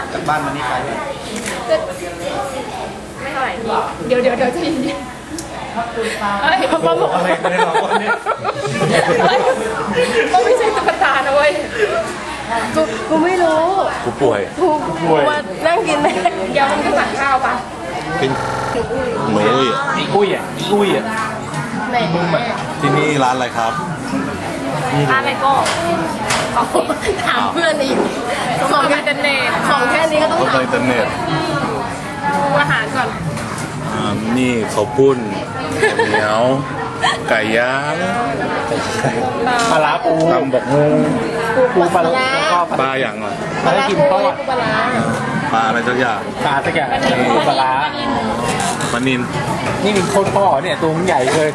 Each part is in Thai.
จากบ้านมานี่ไกลไหมไม่เท่าไหร่เดี๋ยวจะยินป้าบอกอะไรกันเนี่ยเนี่ยก็ไม่ใช่ตุ๊กตานะเว้ยกูไม่รู้กูป่วยมานั่งกินเลยเดี๋ยวมันก็สั่งข้าวปะกินหมูอีกอุ้ยอ่ะแม่ที่นี่ร้านอะไรครับร้านอะไรก็ถามเพื่อนอีกของอินเทอร์เน็ตของแค่นี้ก็ต้องถามอินเทอร์เน็ตอาหารก่อนนี่ข้าวปุ้นเหนียวไก่ย่างปลาปูตำบอกงูปูปลาปลาอย่างอ่ะปลากินทอดปลาอะไรสักอย่างปลาสักอย่างปูปลาปลานิลนี่มีโคตรพ่อเนี่ยตัวมันใหญ่เลย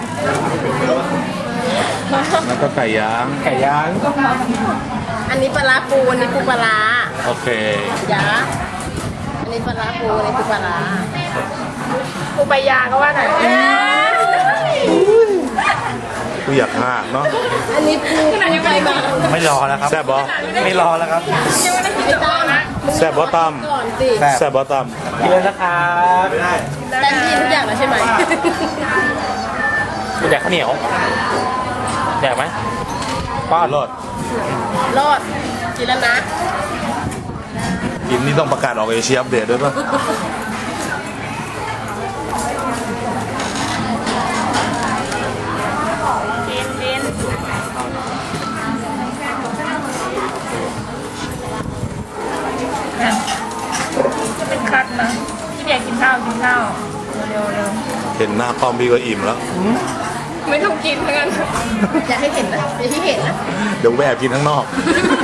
แล้วก็ไก่ย่างอันนี้ปลาปูอันนี้ปูปลาโอเคยาอันนี้ปลาปูอันนี้ปูปลาปูปลายาก็ว่าหน่อยกูอยากห่างเนาะอันนี้ปูไปมาไม่รอแล้วครับแซ่บบอไม่รอแล้วครับแซ่บบอตั้มแซ่บบอตั้มกินเลยนะครับแต่กินทุกอย่างแล้วใช่ไหมกูแดกข้าวเหนียวแดกไหมป้ารอดกินแล้วนะกินนี่ต้องประกาศออกเอเชียอัปเดตด้วยป่ะจะเป็นคัดนะพี่เดียกินข้าวเร็วเห็นหน้าป้อมพี่ก็อิ่มแล้วไม่ต้องกินเหมือนกันอยากให้เห็นนะอยากให้เห็นนะเดี๋ยวแวะกินข้างนอก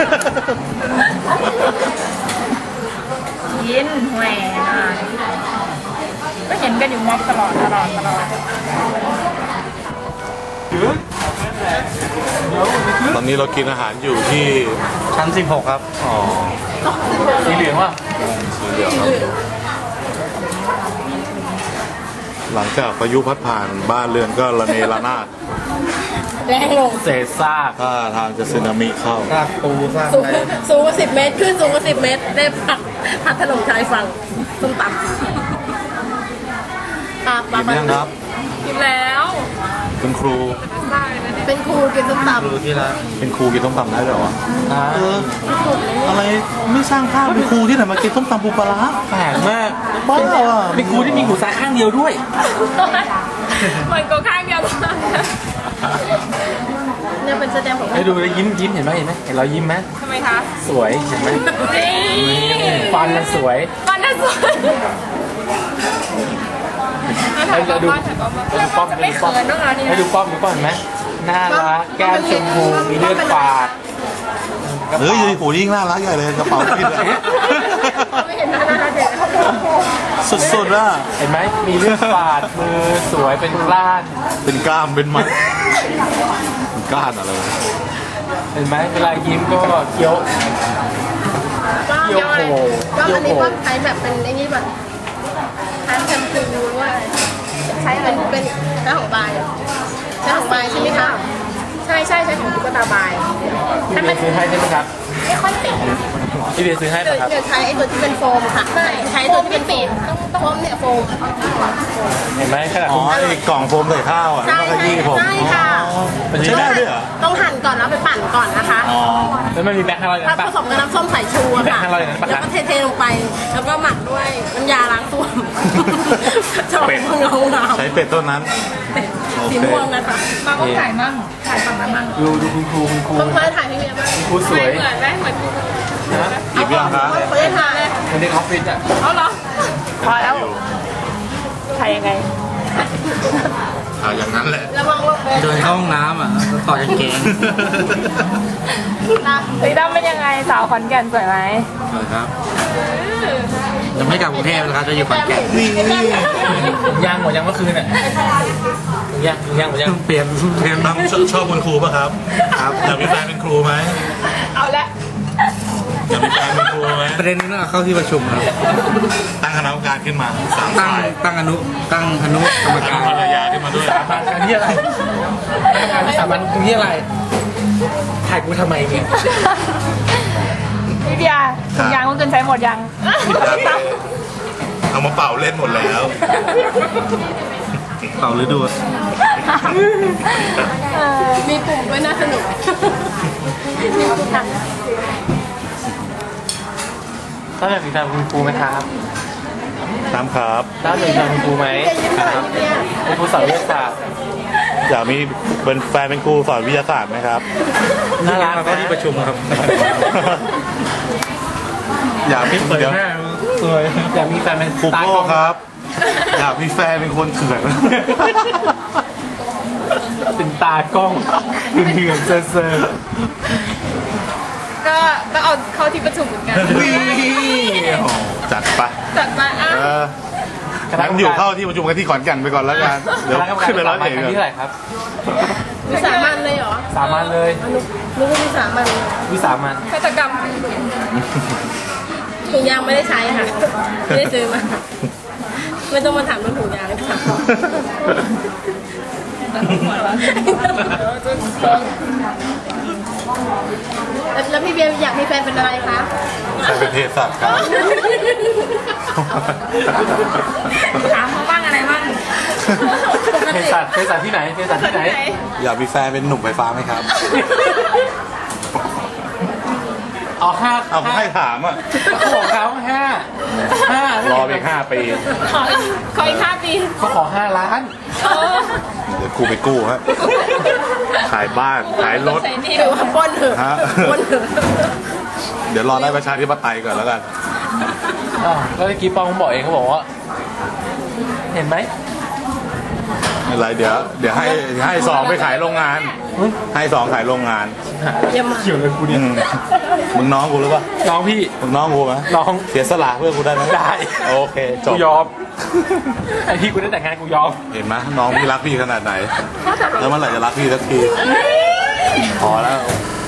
กินแหวก็เห็นกันอยู่ม็อบตลอดตอนนี้เรากินอาหารอยู่ที่ชั้น16ครับอ๋อสีเหลืองว่ะสีเหลืองหลังจากพายุพัดผ่านบ้านเรือนก็ระเนระนาดแรงลงเศษซากถ้าทางจะสึนามิเข้าซากปูซากอะไรสูงกว่า10 เมตรขึ้นสูงกว่า10 เมตรได้พัดถล่มชายฝั่งส้มตำกินยังครับกินแล้วเป็นครูกินส้มตำที่ร้านเป็นครูกินส้มตำได้เหรออะไรไม่สร้างภาพเป็นครูที่ไหนมากินส้มตำปูปลาแปลกมากบ้าอ่ะเป็นครูที่มีหูซ้ายข้างเดียวด้วยมันก็ข้างเดียวเนี่ยเป็นแสดงของให้ดูแล้วยิ้มเห็นไหมเห็นเรายิ้มไหมทำไมคะสวยเห็นไหมฟันน่ะสวยให้ดูป้อมให้ดูป้อมเห็นไหมน่ารักแก้มชมพูมีเลือดฝาดเฮ้ยโหยิ่งน่ารักใหญ่เลยกระเป๋าพิษไม่เห็นหน้าเด็กสุดๆอ่ะเห็นไหมมีเลือดฝาดมือสวยเป็นกล้ามเป็นมัดก้านอะไรเห็นไหมเวลายิ้มก็เคี้ยวโผล่ก็อันนี้ก็ใช้แบบเป็นไอ้นี่แบบทานแชมพูด้วยใช้เป็นใช้ของบายใช่ไหมคะใช่ของตุ๊กตาบายพี่เบียร์ซื้อให้ใช่ไหมครับไม่ค่อยติดพี่เบียร์ซื้อให้ป่ะครับเดี๋ยวใช้ไอ้ตัวที่เป็นโฟมค่ะใช้ตัวที่เป็นปิดโฟมเนี่ยโฟมเห็นไหมขนาดไอ้กล่องโฟมใส่ข้าวอ่ะใช่ค่ะมันใช้ได้ด้วยเหรอต้องหั่นก่อนแล้วไปปั่นก่อนนะคะแล้วมันมีแบงค์500 ถ้าผสมกับน้ำส้มสายชูค่ะแล้วก็เทลงไปแล้วก็หมักด้วยน้ำยาล้างส้วมใช้เป็ดต้นนั้นสีม่วงนะคะมาก็ถ่ายมั่งถ่ายฝั่งนั้นมั่งดูคุณครูต้องถ่ายพี่เมียบ้างครูสวยเหมือนไหมเหมือนครูนะอีกเรื่องครับเขาได้ถ่ายในออฟฟิศอ่ะเอาเหรอพอแล้วถ่ายยังไงอย่างนั้นแหละเดินเข้าห้องน้ำอ่ะต่อกางเกงพี่ตั้มเป็นยังไงสาวขอนแก่นสวยไหมสวยครับยังไม่กลับกรุงเทพนะครับจะอยู่ขอนแก่นยังหมดยังเมื่อคืนอ่ะยังเปลี่ยนตั้มชอบคุณครูป่ะครับอยากมีแฟนเป็นครูไหมเอาละอยากมีแฟนเป็นครูไหมประเด็นนี้ต้องเข้าที่ประชุมครับตั้งคณะกรรมการขึ้นมาตั้งอนุกรรมการภรรยาขึ้นมาด้วยอันนี้อะไรสามัญตรงนี้อะไรถ่ายกูทำไมเนี่ยพี่เบียร์ถุงยางก็เกินใช้หมดยังเอามาเป่าเล่นหมดแล้ว เป่าหรือดูดมีปุ่มด้วยน่าสนุกมีปุ่มตัดถ้าแบบมีแฟนคุณครูไหมครับตามครับถ้ามีแฟนคุณครูไหมใจเย็นหน่อยเนี่ยคุณครูสอนวิทยาศาสตร์อยากมีเป็นแฟนเป็นครูสอนวิทยาศาสตร์ไหมครับน่ารักนะที่ประชุมครับอยากมีเดี๋ยวสวยอยากมีแฟนเป็นครูโก้ครับ อยากมีแฟนเป็นคนเถื่อนเป็นตากล้องเป็นเถื่อนเซอร์ก็เอาเข้าที่ประชุมเหมือนกันโอ้จัดไปจัดมาอ่ะงั้นอยู่เข้าที่ประชุมกันที่ขอนแก่นไปก่อนแล้วกัน เดี๋ยวขึ้นไปร้อยเอกที่เท่าไหร่ครับวิสามันเลยเหรอสามัญเลยนึกว่าวิสามันวิสามันฆาตกรรมถุงยางไม่ได้ใช้ค่ะ ไม่ได้ซื้อมา ไม่ต้องมาถามเรื่องถุงยางค่ะแล้วพี่เบียร์อยากมีแฟนเป็นอะไรคะใครเป็นเภสัชครับถามเขาบ้างอะไรบ้างเภสัชที่ไหนเภสัชที่ไหนอยากมีแฟนเป็นหนุ่มไฟฟ้าไหมครับเอาห้าเอาให้ถามอ่ะของเขาห้ารอไปอีก5 ปีขออีก5 ปีเขาขอ5 ล้านเดี๋ยวกูไปกู้ฮะ ขายบ้าน ขายรถใส่นี่ถือว่าปล้นเถอะฮะปล้นเถอะเดี๋ยวรอได้ประชาธิปไตยก่อนแล้วกันแล้วเมื่อกี้ปองบอกเองเขาบอกว่า เห็นไหมไม่เป็นไรเดี๋ยวให้สองไปขายโรงงาน ให้สองขายโรงงานเยี่ยมมากเกี่ยวเลยกูเนี่ยมึงน้องกูหรือเปล่าน้องพี่มึงน้องกูไหมน้องเสียสละเพื่อกูได้ไหมได้โอเคจกูบยอมไอพี่กูได้แต่งงานกูยอมเห็นไหมน้องพี่รักพี่ขนาดไหน แล้วเมื่อไหร่จะรักพี่สักทีพอแล้ว